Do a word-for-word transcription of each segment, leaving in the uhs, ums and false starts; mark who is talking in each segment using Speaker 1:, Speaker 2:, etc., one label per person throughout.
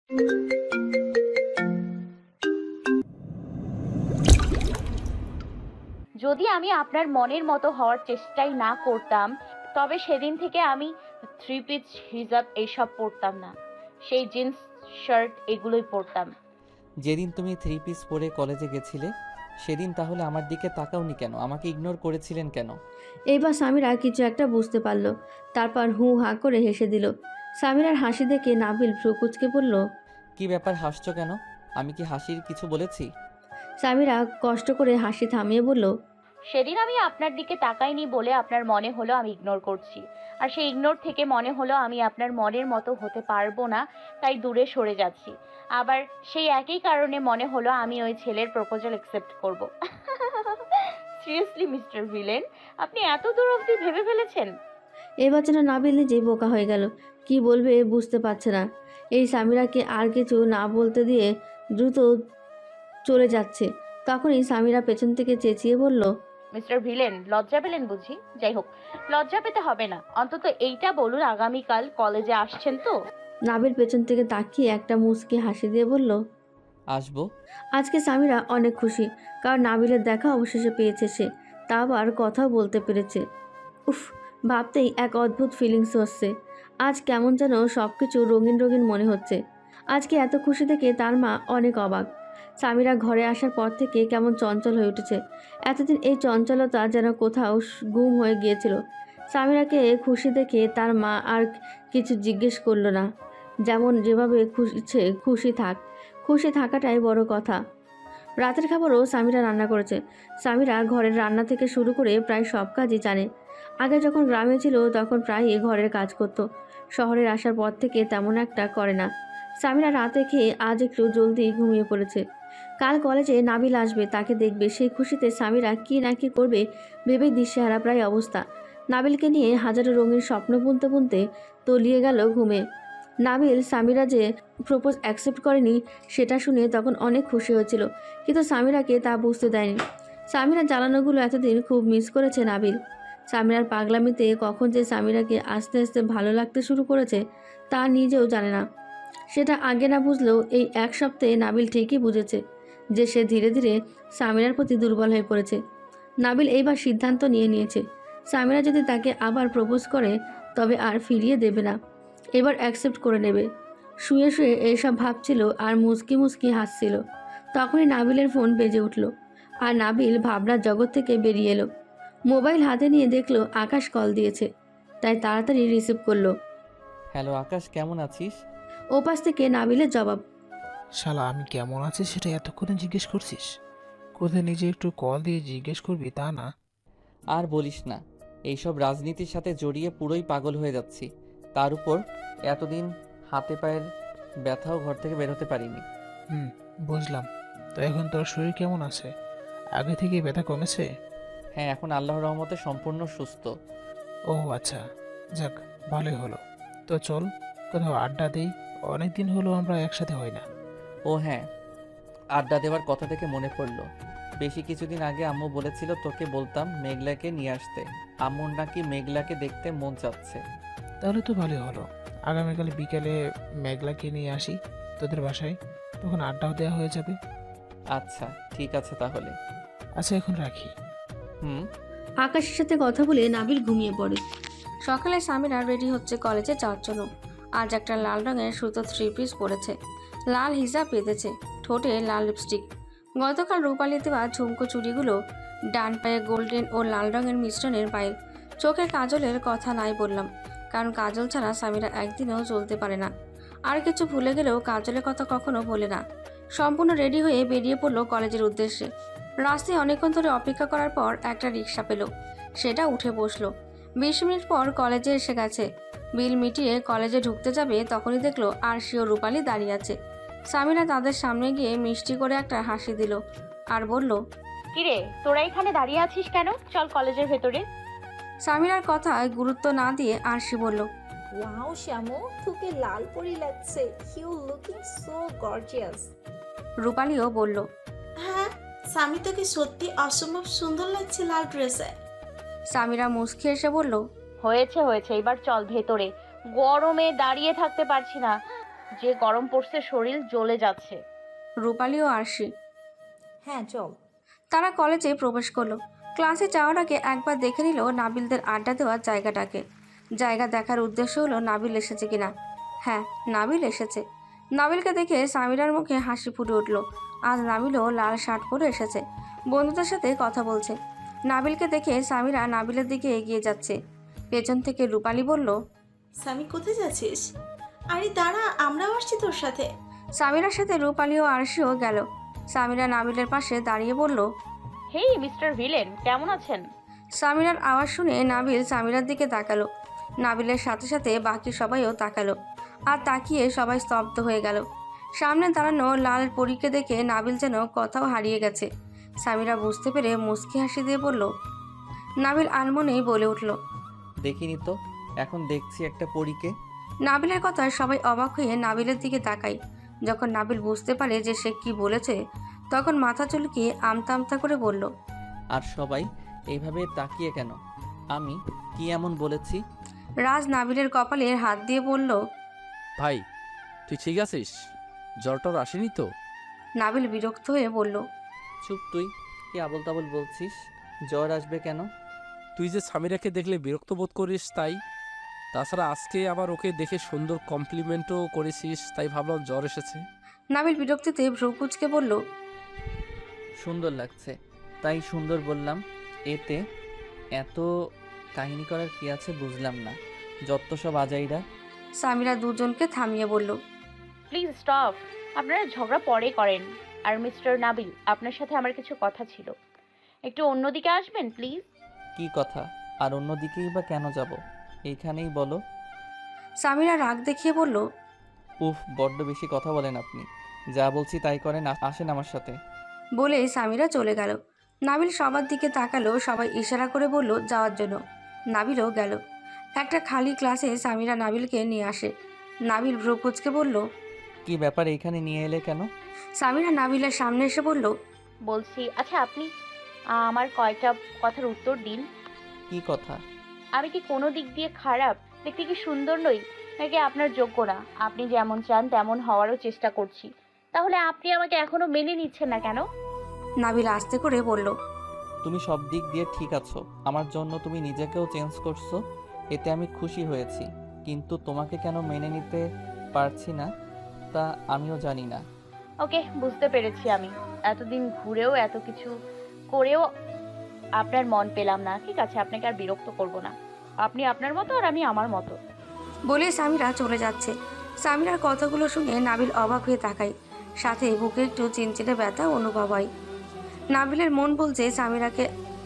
Speaker 1: যদি আমি আপনার মনের মতো হওয়ার চেষ্টাই না করতাম, তবে সেদিন থেকে আমি থ্রি পিস হিজাব এইসব পরতাম না। সেই জিন্স শার্ট এগুলোই পরতাম।
Speaker 2: যেদিন তুমি থ্রি পিস পরে কলেজে গেছিলে সেদিন তাহলে আমার দিকে তাকাওনি কেন? আমাকে ইগনোর করেছিলেন কেন?
Speaker 3: এইবার সামিরা কিছু একটা বুঝতে পারল। তারপর হু হা করে হেসে দিল। সামিরার হাসি দেখে নাবিল ভ্রু কুঁচকে বলল,
Speaker 2: কি ব্যাপার, হাসছো কেন? আমি কি হাসির কিছু বলেছি?
Speaker 3: সামিরা কষ্ট করে হাসি থামিয়ে বলল,
Speaker 1: সেদিন আমি আপনার দিকে তাকাইনি বলে আপনার মনে হলো আমি ইগনোর করছি, আর সেই ইগনোর থেকে মনে হলো আমি আপনার মনের মতো হতে পারবো না, তাই দূরে সরে যাচ্ছি। আবার সেই একই কারণে মনে হলো আমি ওই ছেলের প্রপোজাল অ্যাকসেপ্ট করব। সিরিয়াসলি মিস্টার ভিলেন, আপনি এত দূর অবধি ভেবে ফেলেছেন?
Speaker 3: এবার যেন নাবিল নিজেই বোকা হয়ে গেল। কি বলবে বুঝতে পারছে না। এই সামিরাকে আর কিছু না বলতে দিয়ে দ্রুত চলে যাচ্ছে। তখনই সামিরা পেছন থেকে চেঁচিয়ে বলল,
Speaker 1: মিস্টার ভিলেন, লজ্জা পেলেন বুঝি? যাই হোক, লজ্জা পেতে হবে না, অন্তত এইটা বলুন আগামীকাল কলেজে আসছেন তো?
Speaker 3: নাবিল পেছন থেকে তাকিয়ে একটা মুচকি হাসি দিয়ে বলল,
Speaker 2: আসবো।
Speaker 3: আজকে সামিরা অনেক খুশি, কারণ নাবিলের দেখা অবশেষে পেয়েছে সে। তা আবার কথাও বলতে পেরেছে। উফ, ভাবতেই এক অদ্ভুত ফিলিংস হচ্ছে। আজ কেমন যেন সব কিছু রঙিন রঙিন মনে হচ্ছে। আজকে এত খুশি দেখে তার মা অনেক অবাক। সামিরা ঘরে আসার পর থেকে কেমন চঞ্চল হয়ে উঠেছে। এতদিন এই চঞ্চলতা যেন কোথাও গুম হয়ে গিয়েছিল। সামিরাকে খুশি দেখে তার মা আর কিছু জিজ্ঞেস করলো না। যেমন যেভাবে খুশি খুশি থাক, খুশি থাকাটাই বড় কথা। রাতের খাবারও সামিরা রান্না করেছে। সামিরা ঘরের রান্না থেকে শুরু করে প্রায় সব কাজই জানে। আগে যখন গ্রামে ছিল তখন প্রায়ই ঘরের কাজ করত। শহরে আসার পর থেকে তেমন একটা করে না। সামিরা রাতে খেয়ে আজ একটু জলদি ঘুমিয়ে পড়েছে। কাল কলেজে নাবিল আসবে, তাকে দেখবে। সেই খুশিতে সামিরা কি না কি করবে ভেবেই দিশেহারা প্রায় অবস্থা। নাবিলকে নিয়ে হাজারো রঙিন স্বপ্ন বুনতে বুনতে তলিয়ে গেল ঘুমে। নাবিল সামিরা যে প্রপোজ অ্যাকসেপ্ট করেনি সেটা শুনে তখন অনেক খুশি হয়েছিল, কিন্তু সামিরাকে তা বুঝতে দেয়নি। সামিরার জ্বালানোগুলো এতদিন খুব মিস করেছে নাবিল। সামিরার পাগলামিতে কখন যে সামিরাকে আস্তে আস্তে ভালো লাগতে শুরু করেছে তা নিজেও জানে না। সেটা আগে না বুঝলেও এই এক সপ্তাহে নাবিল ঠিকই বুঝেছে যে সে ধীরে ধীরে সামিরার প্রতি দুর্বল হয়ে পড়েছে। নাবিল এইবার সিদ্ধান্ত নিয়ে নিয়েছে, সামিরা যদি তাকে আবার প্রপোজ করে তবে আর ফিরিয়ে দেবে না, এবার অ্যাকসেপ্ট করে নেবে। শুয়ে শুয়ে এইসব ভাবছিল আর মুচকি মুচকি হাসছিল। তখনই নাবিলের ফোন বেজে উঠল, আর নাবিল ভাবনার জগৎ থেকে বেরিয়ে এলো। মোবাইল হাতে নিয়ে দেখলো আকাশ কল দিয়েছে, তাই তাড়াতাড়ি রিসিভ করলো।
Speaker 2: হ্যালো আকাশ, কেমন আছিস?
Speaker 3: ওপাশ থেকে নাবিলের জবাব,
Speaker 4: শালা আমি কেমন আছি সেটা এতক্ষণে জিজ্ঞেস করছিস? কোথায় নিজে একটু কল দিয়ে জিজ্ঞেস করবি তা না।
Speaker 2: আর বলিস না, এইসব রাজনীতির সাথে জড়িয়ে পুরোই পাগল হয়ে যাচ্ছি। তার উপর এতদিন হাতে পায়ের ব্যথাও ঘর থেকে বের হতে পারিনি।
Speaker 4: হুম, বুঝলাম। তো এখন তোর শরীর কেমন আছে? আগে থেকে ব্যথা কমেছে?
Speaker 2: হ্যাঁ, এখন আল্লাহর রহমতে সম্পূর্ণ সুস্থ।
Speaker 4: ও আচ্ছা, যাক ভালোই হলো। তো চল কোথাও আড্ডা দেই, অনেক দিন হলো আমরা একসাথে হই না।
Speaker 2: ও হ্যাঁ, আড্ডা দেওয়ার কথা থেকে মনে পড়লো, বেশি কিছুদিন আগে আম্মু বলেছিল তোকে বলতাম মেঘলাকে নিয়ে আসতে। আম্মুর নাকি মেঘলাকে দেখতে মন চাচ্ছে।
Speaker 4: তাহলে তো ভালোই হলো। আগামীকাল বিকেলে মেঘলাকে নিয়ে আসি তোদের বাসায়, তখন আড্ডাও দেওয়া হয়ে যাবে।
Speaker 2: আচ্ছা ঠিক আছে তাহলে।
Speaker 4: আচ্ছা এখন রাখি।
Speaker 2: হুম।
Speaker 3: আকাশের সাথে কথা বলে নাবিল ঘুমিয়ে পড়ে।
Speaker 5: সকালে সামিরা রেডি হচ্ছে কলেজে যাওয়ার জন্য। আজ একটা লাল রঙের সুতো থ্রি পিস পরেছে, লাল হিজাব বেঁধেছে, ঠোঁটে লাল লিপস্টিক। গতকাল রূপালি দেওয়া ঝুমকো চুড়িগুলো ডান পায়ে গোল্ডেন ও লাল রঙের মিশ্রণের পায়ে। চোখে কাজলের কথা নাই বললাম, কারণ কাজল ছাড়া সামিরা একদিনও চলতে পারে না। আর কিছু ভুলে গেলেও কাজলের কথা কখনো বলে না। সম্পূর্ণ রেডি হয়ে বেরিয়ে পড়লো কলেজের উদ্দেশ্যে। রাস্তায় অনেকক্ষণ ধরে অপেক্ষা করার পর একটা রিক্সা পেল, সেটা উঠে বসলো। বিশ মিনিট পর কলেজে এসে গেছে। বিল মিটিয়ে কলেজে ঢুকতে যাবে তখনই দেখলো আরশি ও রূপালি দাঁড়িয়ে আছে। সামিরা তাদের সামনে গিয়ে মিষ্টি করে একটা হাসি দিল আর বলল,
Speaker 1: কিরে, তোরা এখানে দাঁড়িয়ে আছিস কেন? চল কলেজের ভেতরে।
Speaker 5: সামিরার কথায় গুরুত্ব না দিয়ে আরশি বলল,
Speaker 6: ওয়াও শ্যামু, তোকে লাল পরি লাগছে। You looking so gorgeous.
Speaker 5: রূপালিও বলল,
Speaker 7: হ্যাঁ, স্বামী তোকে সত্যি অসম্ভব সুন্দর লাগছে লাল ড্রেসে।
Speaker 5: সামিরা মুচকি এসে বলল,
Speaker 1: হয়েছে হয়েছে, এবার চল ভেতরে, গরমে দাঁড়িয়ে থাকতে পারছি না। যে গরম পড়ছে, শরীর জ্বলে যাচ্ছে।
Speaker 5: রূপালী ও আরশি।
Speaker 6: হ্যাঁ চল।
Speaker 5: তারা কলেজে প্রবেশ করলো। ক্লাসে যাওয়ার আগে একবার দেখে নিল নাবিলদের আড্ডা দেওয়ার জায়গাটাকে। জায়গা দেখার উদ্দেশ্য হলো নাবিল এসেছে কিনা। হ্যাঁ, নাবিল এসেছে। নাবিলকে দেখে সামিরার মুখে হাসি ফুটে উঠল। আজ নাবিলও লাল শার্ট পরে এসেছে, বন্ধুদের সাথে কথা বলছে। নাবিলকে দেখে সামিরা নাবিলের দিকে এগিয়ে যাচ্ছে। পেছন থেকে রূপালী বলল,
Speaker 7: সামি কোথায় যাচ্ছিস? আরে দাঁড়া, আমরাও আসছি তোর সাথে।
Speaker 5: সামিরার সাথে রূপালী ও আরশিও গেল। সামিরা নাবিলের পাশে দাঁড়িয়ে বলল,
Speaker 1: হেই মিস্টার ভিলেন, কেমন আছেন?
Speaker 5: সামিরার আওয়াজ শুনে নাবিল সামিরার দিকে তাকালো। নাবিলের সাথে সাথে বাকি সবাইও তাকালো। আর তাকিয়ে সবাই স্তব্ধ হয়ে গেল। সামনে দাঁড়ানো লাল পরীকে দেখে নাবিল যেন কথাও হারিয়ে গেছে। সামিরা বুঝতে পেরে মুচকি হাসি দিয়ে বলল, নাবিল আনমনেই বলে উঠল,
Speaker 2: দেখিনি তো, এখন দেখছি একটা পরীকে।
Speaker 5: নাবিলের কথায় সবাই অবাক হয়ে নাবিলের দিকে তাকায়। যখন নাবিল বুঝতে পারে যে সে কি বলেছে, তখন মাথা চুলকিয়ে আমতা আমতা করে বলল,
Speaker 2: আর সবাই এইভাবে তাকিয়ে কেন? আমি কি এমন বলেছি?
Speaker 5: রাজ নাবিলের কপালে হাত দিয়ে বলল,
Speaker 8: ভাই তুই ঠিক আছিস? জ্বর টর আসেনি তো?
Speaker 5: নাবিল বিরক্ত হয়ে বলল,
Speaker 2: চুপ তুই, কি আবল তাবল বলছিস? জ্বর আসবে কেন?
Speaker 8: তুই যে সামিরাকে দেখলে বিরক্ত বোধ করিস তাই। তাছাড়া আজকে আবার ওকে দেখে সুন্দর কমপ্লিমেন্টও করেছিস, তাই ভাবলাম জ্বর এসেছে।
Speaker 5: নাবিল বিরক্তিতে ভ্রু কুঁচকে বলল,
Speaker 2: সুন্দর লাগছে তাই সুন্দর বললাম। এতে এত কাহিনী করার কি আছে বুঝলাম না, যত সব আজাইরা।
Speaker 5: সামিরা দুজনকে থামিয়ে বলল,
Speaker 1: প্লিজ স্টপ, আপনারা ঝগড়া পরে করেন। আর মিস্টার নাবিল, আপনার সাথে আমার কিছু কথা ছিল, একটু অন্যদিকে আসবেন প্লিজ।
Speaker 2: কি কথা? আর অন্যদিকেই বা কেন যাব? এইখানেই বলো।
Speaker 5: সামিরা রাগ দেখিয়ে বলল,
Speaker 2: উফ, বড্ড বেশি কথা বলেন আপনি। যা বলছি তাই করেন, আ- আসেন আমার সাথে।
Speaker 5: বলে সামিরা চলে গেল। নাবিল সবার দিকে তাকালো, সবাই ইশারা করে বলল যাওয়ার জন্য। নাবিলও গেল। একটা খালি ক্লাসে সামিরা নাবিলকে নিয়ে আসে। নাবিল ভ্রু কুঁচকে বলল,
Speaker 2: কি ব্যাপার, এইখানে নিয়ে এলে কেন?
Speaker 5: সামিরা নাবিলের সামনে এসে বলল,
Speaker 1: বলছি, আচ্ছা আপনি আহ, আমার কয়টা কথার উত্তর দিন।
Speaker 2: কি কথা?
Speaker 1: আমি কি কোনো দিক দিয়ে খারাপ, দেখতে কি সুন্দর নই, নাকি আপনার যোগ্য না? আপনি যেমন চান তেমন হওয়ারও চেষ্টা করছি, তাহলে আপনি আমাকে এখনো মেনে নিচ্ছেন না কেন?
Speaker 5: নাবিল আস্তে করে বলল,
Speaker 2: তুমি সব দিক দিয়ে ঠিক আছো, আমার জন্য তুমি নিজেকেও চেঞ্জ করছো, এতে আমি খুশি হয়েছি। কিন্তু তোমাকে কেন মেনে নিতে পারছি না তা আমিও জানি না।
Speaker 1: ওকে, বুঝতে পেরেছি। আমি এতদিন ঘুরেও এত কিছু করেও আপনার মন পেলাম না। ঠিক আছে, আপনাকে আর বিরক্ত করব না। আপনি আপনার মতো আর আমি আমার মতো।
Speaker 5: বলে সামিরা চলে যাচ্ছে। সামিরার কথাগুলো শুনে নাবিল অবাক হয়ে তাকায়, সাথে বুকে একটু চিনচিনে ব্যথা অনুভব হয়। নাবিলের মন বলছে সামিরাকে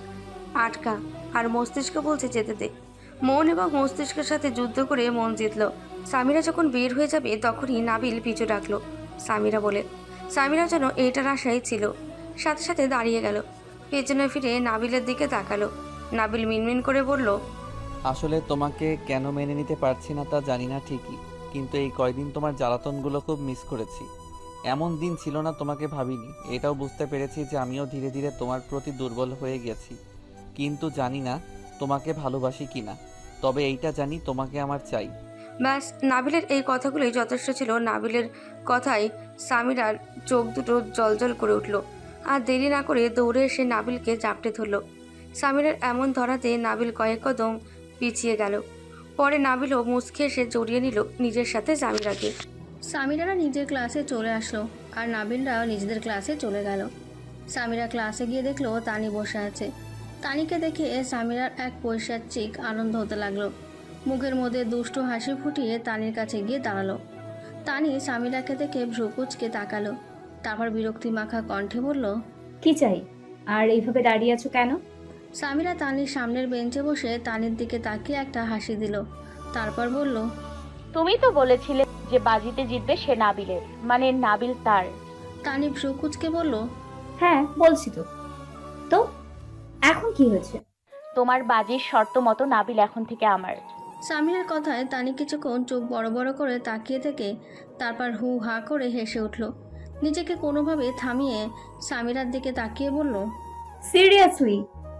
Speaker 5: আটকা, আর মস্তিষ্ক বলছে যেতে দে। মন এবং মস্তিষ্কের সাথে যুদ্ধ করে মন জিতল। সামিরা যখন বের হয়ে যাবে তখনই নাবিল পিছু ডাকলো, সামিরা বলে। সামিরা যেন এইটার আশাই ছিল, সাথে সাথে দাঁড়িয়ে গেল। পেছনে ফিরে নাবিলের দিকে তাকালো। নাবিল মিনমিন করে বলল,
Speaker 2: আসলে তোমাকে কেন মেনে নিতে পারছি না তা জানি না ঠিকই, কিন্তু এই কয়দিন তোমার জ্বালাতনগুলো খুব মিস করেছি। এমন দিন ছিল না তোমাকে ভাবিনি। এটাও বুঝতে পেরেছি যে আমিও ধীরে ধীরে তোমার প্রতি দুর্বল হয়ে গেছি, কিন্তু জানি না তোমাকে ভালোবাসি কিনা। তবে এইটা জানি তোমাকে আমার চাই।
Speaker 5: ব্যাস, নাবিলের এই কথাগুলোই যথেষ্ট ছিল। নাবিলের কথায় সামিরার চোখ দুটো জলজল করে উঠল, আর দেরি না করে দৌড়ে এসে নাবিলকে জাপটে ধরল। সামিরার এমন ধরাতে নাবিল কয়েক কদম পিছিয়ে গেল। পরে নাবিলও মুচকে এসে জড়িয়ে নিল নিজের সাথে সামিরাকে।
Speaker 3: সামিরারা নিজের ক্লাসে চলে আসলো, আর নাবিলরাও নিজেদের ক্লাসে চলে গেল। সামিরা ক্লাসে গিয়ে দেখলো তানি বসে আছে। তানিকে দেখে সামিরার এক পৈশাচিক আনন্দ হতে লাগলো। মুখের মধ্যে দুষ্টু হাসি ফুটিয়ে তানির কাছে গিয়ে দাঁড়ালো। তানি সামিরাকে দেখে ভ্রু কুঁচকে তাকালো, তারপর বিরক্তি মাখা কণ্ঠে বলল,
Speaker 9: কি চাই? আর এইভাবে দাঁড়িয়ে আছো কেন?
Speaker 3: সামিরা তানির সামনের বেঞ্চে বসে তানির দিকে তাকিয়ে একটা হাসি দিল, তারপর বলল,
Speaker 1: তুমি তো বলেছিলে যে বাজিতে জিতবে সে নাবিলের, মানে নাবিল তার।
Speaker 3: তানি ভ্রু কুঁচকে বলল,
Speaker 9: হ্যাঁ বলছি তো। তো এখন কি হয়েছে?
Speaker 1: তোমার বাজির শর্ত মতো নাবিল এখন থেকে আমার।
Speaker 3: সামিরার কথায় তানি কিছুক্ষণ চোখ বড় বড় করে তাকিয়ে থেকে তারপর হু হা করে হেসে উঠল। নিজেকে কোনোভাবে থামিয়ে সামিরার দিকে তাকিয়ে বলল,
Speaker 9: seriously?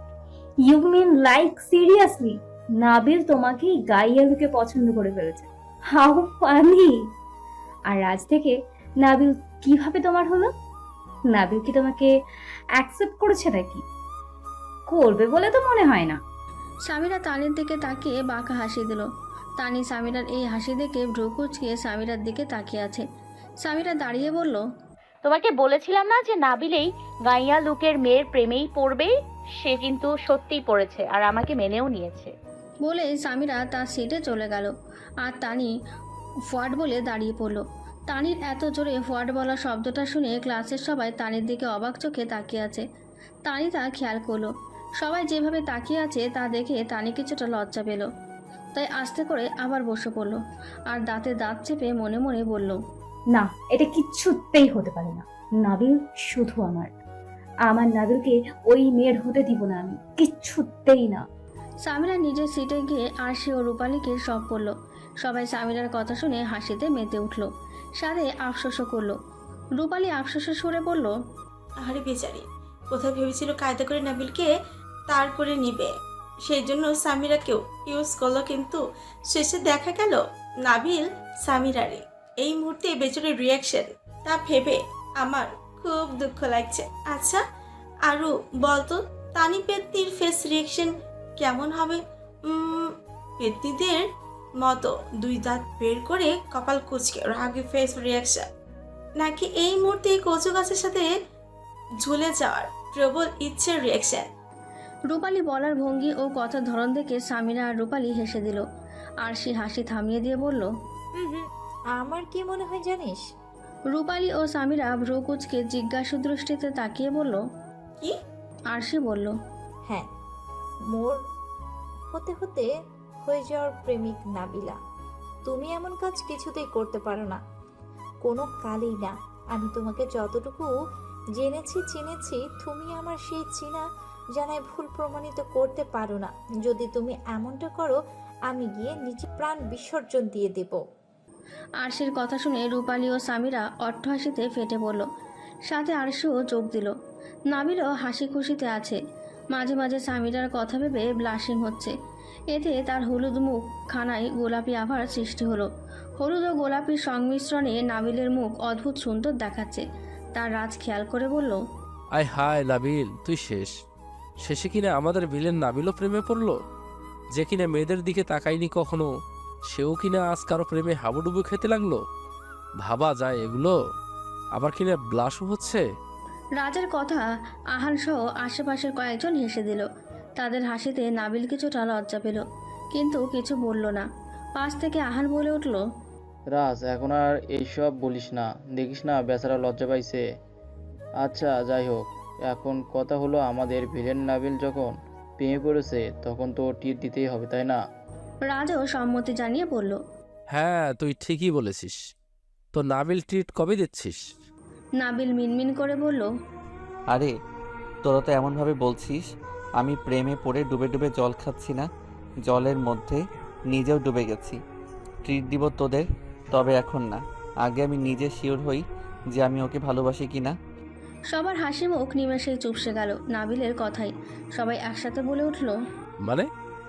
Speaker 9: You mean like seriously? Nabil তোমাকে গাইয়া লুকে পছন্দ করে ফেলেছে? How funny! আর রাজ থেকে নাবিল কিভাবে তোমার হলো? নাবিল কি তোমাকে অ্যাকসেপ্ট করেছে নাকি? করবে বলে তো মনে হয় না।
Speaker 5: সামিরা তানির দিকে তাকিয়ে বাঁকা হাসি দিল। তানি সামিরার এই হাসি দেখে ভ্রু কুঁচকিয়ে সামিরার দিকে তাকিয়ে আছে। সামিরা দাঁড়িয়ে বলল,
Speaker 1: তোমাকে বলেছিলাম না যে নাবিলেই গাইয়া লুকের মেয়ের প্রেমেই পড়বে? সে কিন্তু সত্যিই পড়েছে আর আমাকে মেনেও নিয়েছে।
Speaker 5: বলে সামিরা তার সিটে চলে গেল। আর তানি ফোয়ার্ড বলে দাঁড়িয়ে পড়ল। তানির এত জোরে ফোয়ার্ড বলা শব্দটা শুনে ক্লাসের সবাই তানির দিকে অবাক চোখে তাকিয়ে আছে। তানি তা খেয়াল করলো। সবাই যেভাবে তাকিয়ে আছে তা দেখে তানি কিছুটা লজ্জা পেল। তাই আস্তে করে আবার বসে পড়ল আর দাঁতে দাঁত চেপে মনে মনে বলল,
Speaker 9: না, এটা কিচ্ছুতেই হতে পারে না। নাবিল শুধু আমার। আমার নাবিলকে ওই মেয়ের হতে দিব না আমি, কিচ্ছুতেই না।
Speaker 5: সামিরা নিজের সিটে গিয়ে আরশি ও রূপালীকে সব বলল। সবাই সামিরার কথা শুনে হাসিতে মেতে উঠল, সাথে আফসোসও করলো। রূপালী আফসোসের সুরে বলল,
Speaker 7: আরে বেচারি, কোথায় ভেবেছিল কায়দা করে নাবিলকে তার করে নিবে, সেই জন্য সামিরাকেও ইউজ করলো, কিন্তু শেষে দেখা গেল নাবিল সামিরারে। এই মুহূর্তে বেচারির রিয়াকশন তা ভেবে আমার খুব দুঃখ লাগছে। আচ্ছা আরু বলতো, তানি পেত্তির ফেস রিয়াকশন কেমন হবে? উম, পেত্তিদের মতো দুই দাঁত বের করে কপাল কুচকে রাগি ফেস রিয়াকশন, নাকি এই মুহূর্তে কচু গাছের সাথে ঝুলে যাওয়ার প্রবল ইচ্ছের রিয়াকশন?
Speaker 5: রূপালী বলার ভঙ্গি ও কথার ধরন দেখে সামিরা আর রূপালী হেসে দিল। আর সে হাসি থামিয়ে দিয়ে বলল,
Speaker 6: হুম হুম আমার কি মনে হয় জানিস?
Speaker 5: রূপালী ও সামিরা ভ্রু কুচকে জিজ্ঞাসু দৃষ্টিতে তাকিয়ে বলল,
Speaker 7: কি?
Speaker 5: আরশি বলল,
Speaker 6: হ্যাঁ, মোর হতে হতে হয়ে যাওয়ার প্রেমিক নাবিলা। তুমি এমন কাজ কিছুতেই করতে পারো না, কোনো কালেই না। আমি তোমাকে যতটুকু জেনেছি চিনেছি, তুমি আমার সেই চিনা জানায় ভুল প্রমাণিত করতে পারো না। যদি তুমি এমনটা করো, আমি গিয়ে নিজে প্রাণ বিসর্জন দিয়ে দেব।
Speaker 5: আরশির কথা শুনে রূপালী ও সামিরা অট্টহাসিতে ফেটে পড়ল, সাথে আরশিও যোগ দিল। নাবিলও হাসি খুশিতে আছে। মাঝে মাঝে সামিরার কথা ভেবে ব্লাশিং হচ্ছে। এতে তার হলুদ মুখ খানায় গোলাপি আভার সৃষ্টি হলো। হলুদ ও গোলাপির সংমিশ্রণে নাবিলের মুখ অদ্ভুত সুন্দর দেখাচ্ছে। তার রাজ খেয়াল করে বলল,
Speaker 8: আয় হায় নাবিল, তুই শেষ। শেষে কিনা আমাদের বিলেন নাবিলও প্রেমে পড়লো, যে কিনা মেয়েদের দিকে তাকায়নি কখনো, সেও কিনা আজ কারো প্রেমে হাবুডুবু খেতে লাগলো। ভাবা যায় এগুলো? আবার কিনা ব্লাশও হচ্ছে।
Speaker 5: রাজের কথা আহান সহ আশেপাশের কয়েকজন হেসে দিল। তাদের হাসিতে নাবিল কিছুটা লজ্জা পেল, কিন্তু কিছু বলল না। পাশ থেকে আহান বলে উঠল,
Speaker 10: রাজ, এখন আর এইসব বলিস না, দেখিস না বেচারা লজ্জা পাইছে। আচ্ছা যাই হোক, এখন কথা হলো, আমাদের ভিলেন নাবিল যখন প্রেমে পড়েছে তখন তো টিট দিতেই হবে, তাই না?
Speaker 5: রাজও সম্মতি জানিয়ে বলল,
Speaker 8: হ্যাঁ, তুই ঠিকই বলেছিস। তো নাবিল ট্রিট কবে দিচ্ছিস?
Speaker 5: নাবিল মিনমিন করে বলল,
Speaker 2: আরে তোরা তো এমনভাবে বলছিস আমি প্রেমে পড়ে ডুবে ডুবে জল খাচ্ছি না, জলের মধ্যে নিজেও ডুবে গেছি। ট্রিট দিব তোদের, তবে এখন না। আগে আমি নিজে শিওর হই যে আমি ওকে ভালোবাসি কি না।
Speaker 5: সবার হাসি মুখ নিমেষেই চুপসে গেল নাবিলের কথাই। সবাই একসাথে বলে উঠল,
Speaker 8: মানে?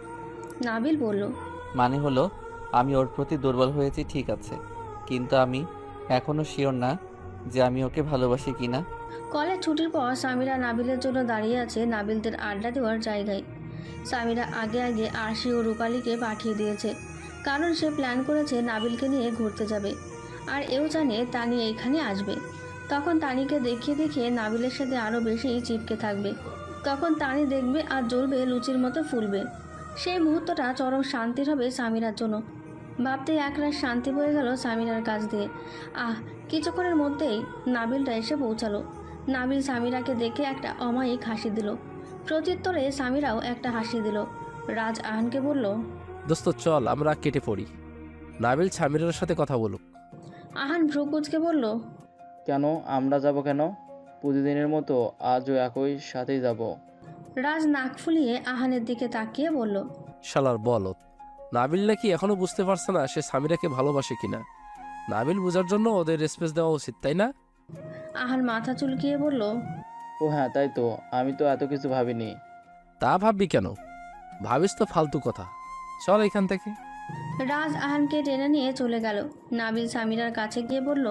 Speaker 5: নাবিল বলল,
Speaker 2: মানে হলো আমি ওর প্রতি দুর্বল হয়েছি, ঠিক আছে, কিন্তু আমি এখনও শিওর না যে আমি ওকে ভালোবাসি কি না।
Speaker 5: কলেজ ছুটির পর সামিরা নাবিলের জন্য দাঁড়িয়ে আছে নাবিলদের আড্ডা দেওয়ার জায়গায়। সামিরা আগে আগে আরশি ও রূপালীকে পাঠিয়ে দিয়েছে, কারণ সে প্ল্যান করেছে নাবিলকে নিয়ে ঘুরতে যাবে। আর এও জানে তানি এইখানে আসবে। তখন তানিকে দেখিয়ে দেখিয়ে নাবিলের সাথে আরও বেশি চিপকে থাকবে। তখন তানি দেখবে আর জ্বলবে লুচির মতো ফুলবে। সেই মুহূর্তটা চরম শান্তির হবে সামিরার জন্য। ভাবতেই একরাশ শান্তি বয়ে গেল সামিরার কাছ দিয়ে। আহ, কিছুক্ষণের মধ্যেই নাবিলটা এসে পৌঁছালো। নাবিল সামিরাকে দেখে একটা অমায়িক হাসি দিল। প্রত্যুত্তরে সামিরাও একটা হাসি দিল। রাজ আহানকে বলল,
Speaker 8: দোস্ত চল আমরা কেটে পড়ি, নাবিল সামিরার সাথে কথা বলুক।
Speaker 5: আহান ভ্রুকুচকে বলল,
Speaker 10: কেন আমরা যাব কেন? প্রতিদিনের মতো আজও একই সাথেই যাব।
Speaker 5: রাজ নাক ফুলিয়ে আহানের দিকে তাকিয়ে বলল,
Speaker 8: শালার বলত, নাবিল নাকি এখনো বুঝতে পারছে না সে সামিরাকে ভালোবাসে কিনা। নাবিল বোঝার জন্য ওদের স্পেস দেওয়া উচিত, তাই না?
Speaker 5: আহান মাথা চুলকিয়ে বলল,
Speaker 10: ও হ্যাঁ, তাই তো, আমি তো এত কিছু ভাবিনি।
Speaker 8: তা ভাববি কেন? ভাবিস তো ফালতু কথা। চল এখান থেকে।
Speaker 5: রাজ আহানকে টেনে নিয়ে চলে গেল। নাবিল সামিরার কাছে গিয়ে বলল,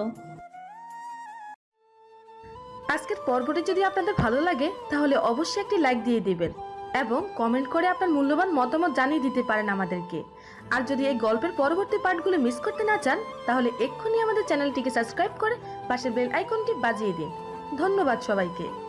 Speaker 11: আজকের পর্বটি যদি আপনাদের ভালো লাগে তাহলে অবশ্যই একটি লাইক দিয়ে দিবেন এবং কমেন্ট করে আপনার মূল্যবান মতামত জানিয়ে দিতে পারেন আমাদেরকে। আর যদি এই গল্পের পরবর্তী পার্টগুলো মিস করতে না চান তাহলে এক্ষুনি আমাদের চ্যানেলটিকে সাবস্ক্রাইব করে পাশের বেল আইকনটি বাজিয়ে দিন। ধন্যবাদ সবাইকে।